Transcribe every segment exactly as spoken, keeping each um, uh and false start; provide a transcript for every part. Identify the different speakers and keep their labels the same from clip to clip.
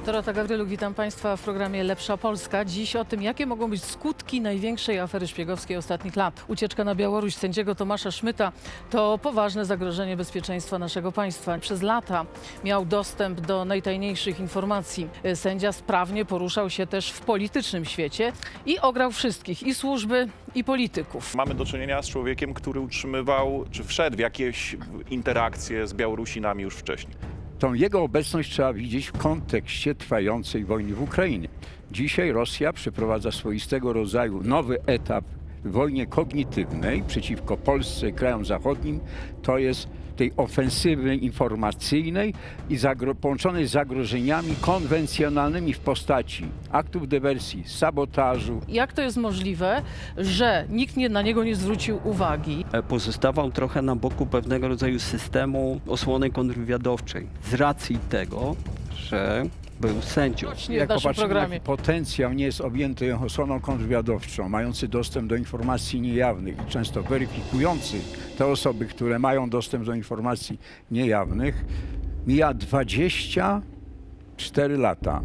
Speaker 1: Dorota Gawryluk, witam Państwa w programie Lepsza Polska. Dziś o tym, jakie mogą być skutki największej afery szpiegowskiej ostatnich lat. Ucieczka na Białoruś sędziego Tomasza Szmyta to poważne zagrożenie bezpieczeństwa naszego państwa. Przez lata miał dostęp do najtajniejszych informacji. Sędzia sprawnie poruszał się też w politycznym świecie i ograł wszystkich, i służby, i polityków.
Speaker 2: Mamy do czynienia z człowiekiem, który utrzymywał, czy wszedł w jakieś interakcje z Białorusinami już wcześniej.
Speaker 3: Tą jego obecność trzeba widzieć w kontekście trwającej wojny w Ukrainie. Dzisiaj Rosja przeprowadza swoistego rodzaju nowy etap w wojnie kognitywnej przeciwko Polsce i krajom zachodnim. To jest tej ofensywy informacyjnej i zagro- połączonej z zagrożeniami konwencjonalnymi w postaci aktów dywersji, sabotażu.
Speaker 1: Jak to jest możliwe, że nikt nie, na niego nie zwrócił uwagi?
Speaker 4: Pozostawał trochę na boku pewnego rodzaju systemu osłony kontrwywiadowczej z racji tego, że był sędzią.
Speaker 1: Nie w
Speaker 3: Jak
Speaker 1: naszym
Speaker 3: popatrzymy,
Speaker 1: programie.
Speaker 3: jaki potencjał nie jest objęty osłoną kontrwywiadowczą, mający dostęp do informacji niejawnych i często weryfikujący te osoby, które mają dostęp do informacji niejawnych, mija dwadzieścia cztery lata.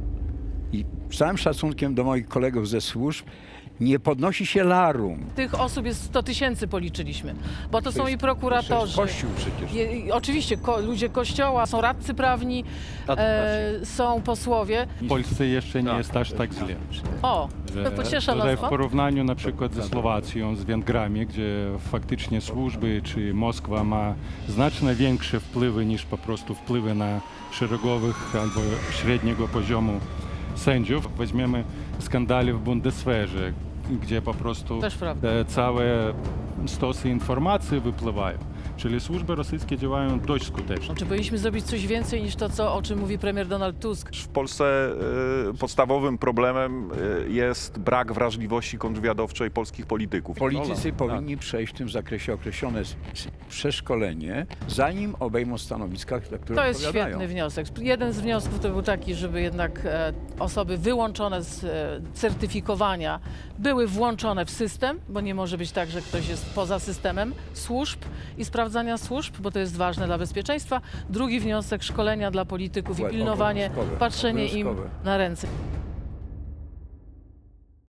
Speaker 3: I z całym szacunkiem do moich kolegów ze służb, nie podnosi się larum.
Speaker 1: Tych osób jest sto tysięcy, policzyliśmy, bo to są
Speaker 3: jest-
Speaker 1: i prokuratorzy.
Speaker 3: To jest Kościół przecież.
Speaker 1: Je, i oczywiście ko, ludzie kościoła, są radcy prawni, e, są posłowie.
Speaker 5: W Polsce jeszcze nie jest aż tak źle.
Speaker 1: O, to pociesza
Speaker 5: że
Speaker 1: nas
Speaker 5: w
Speaker 1: to.
Speaker 5: porównaniu na przykład ze Słowacją, z Węgrami, gdzie faktycznie służby czy Moskwa ma znacznie większe wpływy niż po prostu wpływy na szeregowych albo średniego poziomu sędziów. Weźmiemy skandale w Bundeswehrze, gdzie po prostu
Speaker 1: Też prawda.
Speaker 5: e, całe stosy informacji wypływają. Czyli służby rosyjskie działają dość skutecznie.
Speaker 1: Czy powinniśmy zrobić coś więcej niż to, co, o czym mówi premier Donald Tusk?
Speaker 2: W Polsce y, podstawowym problemem y, jest brak wrażliwości kontrwywiadowczej polskich polityków.
Speaker 3: Politycy powinni przejść w tym zakresie określone s- s- przeszkolenie, zanim obejmą stanowiska, za które
Speaker 1: To jest
Speaker 3: odpowiadają.
Speaker 1: świetny wniosek. Jeden z wniosków to był taki, żeby jednak e, osoby wyłączone z e, certyfikowania były włączone w system, bo nie może być tak, że ktoś jest poza systemem służb i sprawdzania służb, bo to jest ważne dla bezpieczeństwa. Drugi wniosek, szkolenia dla polityków i
Speaker 3: Obowiązkowe,
Speaker 1: pilnowanie, patrzenie im
Speaker 3: obowiązkowe.
Speaker 1: na ręce.